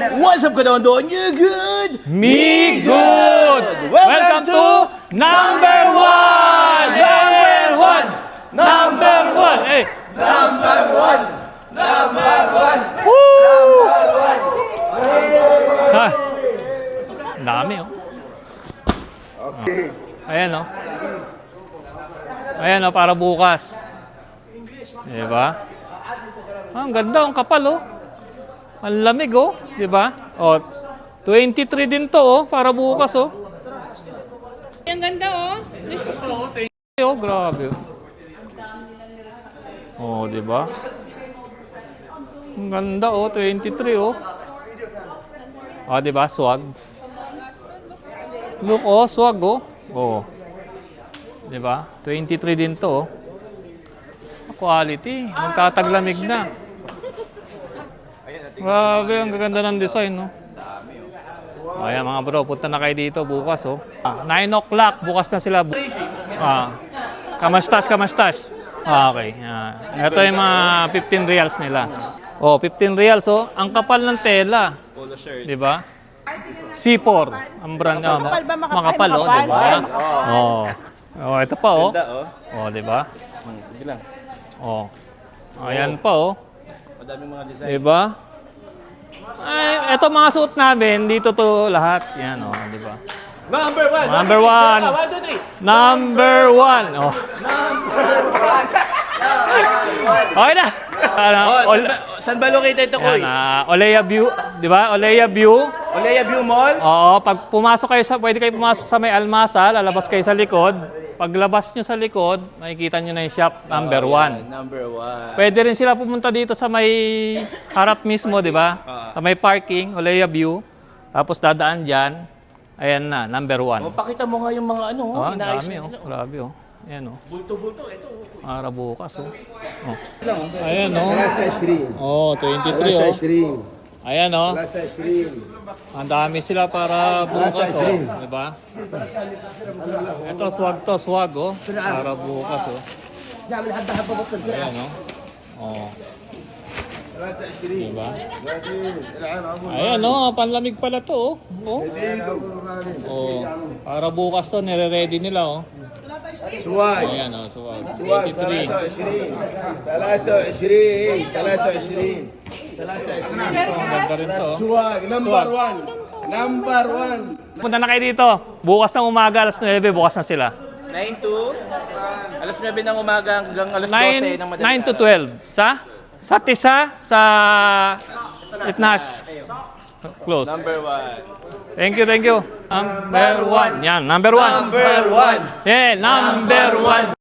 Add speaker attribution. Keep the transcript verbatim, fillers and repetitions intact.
Speaker 1: What's up, Kadondo? You good?
Speaker 2: Me good! Welcome to number one! Number one! Number one! Hey!
Speaker 1: Number one! Number one!
Speaker 2: Woo! Ha? Ang dami, oh.
Speaker 1: Okay.
Speaker 2: Ayan, oh. Ayan, oh, para bukas. Diba? Ah, ang ganda, ang kapal, oh. Ang lamig, oh. Diba? Oh, twenty-three din to, oh. Para bukas, oh.
Speaker 3: Ang ganda, oh.
Speaker 2: Oh, grabe. Oh, di ba? Ang ganda, oh, twenty-three, oh. Oh, di ba? Swag. Look, oh, swag, oh. Oh. Di ba? twenty-three din to, oh. Quality. Magtataglamig na. Grabe, ang gaganda ng design, no? Oh, ayan, mga bro, punta na kayo dito bukas, oh. Ah, nine o'clock, bukas na sila. Ah, kamastas, kamastas. Ah, okay. Ah, ito yung mga fifteen reals nila. Oh, fifteen reals, oh. Ang kapal ng tela. Di ba? C four. Ang brand, oh.
Speaker 4: Makapal ba? Makapal,
Speaker 2: Makapal, oh. Di ba? Oh. Oh, ito pa, oh. Oh, di ba?
Speaker 1: Bilang.
Speaker 2: Oh. Ayan pa, oh.
Speaker 1: Madaming mga design.
Speaker 2: Di ba? Ay, ito mga suot namin, dito to lahat. Yan, oh, di ba?
Speaker 1: Number one!
Speaker 2: Number one.
Speaker 1: One, two, three!
Speaker 2: Number one. Oh. Okay na. Ano,
Speaker 1: Oh,
Speaker 2: Ol-
Speaker 1: saan ba, saan ba located ito,
Speaker 2: yan,
Speaker 1: Koy?
Speaker 2: ah, Olea View, di ba? Olea View.
Speaker 1: Olea View Mall?
Speaker 2: Oo, pag pumasok kayo sa, pwede kayo pumasok sa may almasa, lalabas kayo sa likod. Paglabas nyo sa likod, makikita nyo na yung shop number one.
Speaker 1: Number one.
Speaker 2: Pwede rin sila pumunta dito sa may harap mismo, di ba? Sa may parking, Olea View. Tapos dadaan dyan. Ayan na, number one.
Speaker 1: Oh, pakita mo nga yung mga ano,
Speaker 2: Oh, ang
Speaker 1: inaayos
Speaker 2: dami,
Speaker 1: na
Speaker 2: oh.
Speaker 1: nila.
Speaker 2: Grabe, oh. Ayan, oh.
Speaker 1: Bulto-bulto, ito.
Speaker 2: Para bukas, oh. Oh. Ayan, oh.
Speaker 5: ثلاثة وعشرين
Speaker 2: Oh, twenty-three,
Speaker 5: ثلاثة
Speaker 2: oh.
Speaker 5: وعشرين
Speaker 2: Ayan, oh.
Speaker 5: ثلاثة وعشرين
Speaker 2: Ang dami sila para bukas, oh. Diba? Ito, swag to, swag, oh. Para bukas, oh. Ayan, oh. Oh.
Speaker 5: ثلاثة وعشرين
Speaker 2: Diba?
Speaker 5: بعدين العين أبو
Speaker 2: Ayan, oh. Panlamig pala to, oh. Oh.
Speaker 5: دقيقة أبو الغالي
Speaker 2: Oh. Para bukas to, nire-ready nila, oh.
Speaker 5: سواق
Speaker 2: Ayan, oh. Swag.
Speaker 5: سواق
Speaker 2: twenty-three.
Speaker 5: ثلاثة وعشرين ثلاثة وعشرين ثلاثة وعشرين ثلاثة وعشرين
Speaker 2: Ang ganda rin to, oh.
Speaker 5: سواق نمبر واحد نمبر واحد
Speaker 2: Punta na kayo dito. Bukas ng umaga, alas nine, bukas na sila.
Speaker 1: nine to alas nine ng umaga hanggang alas
Speaker 2: nine,
Speaker 1: twelve ng madaling
Speaker 2: nine to
Speaker 1: araw.
Speaker 2: twelve. Sa? Sa Tisa, sa Itnash. Close.
Speaker 1: Number one.
Speaker 2: Thank you, thank you. Number one. Yan, number one.
Speaker 1: Number one.
Speaker 2: Yeah, number one.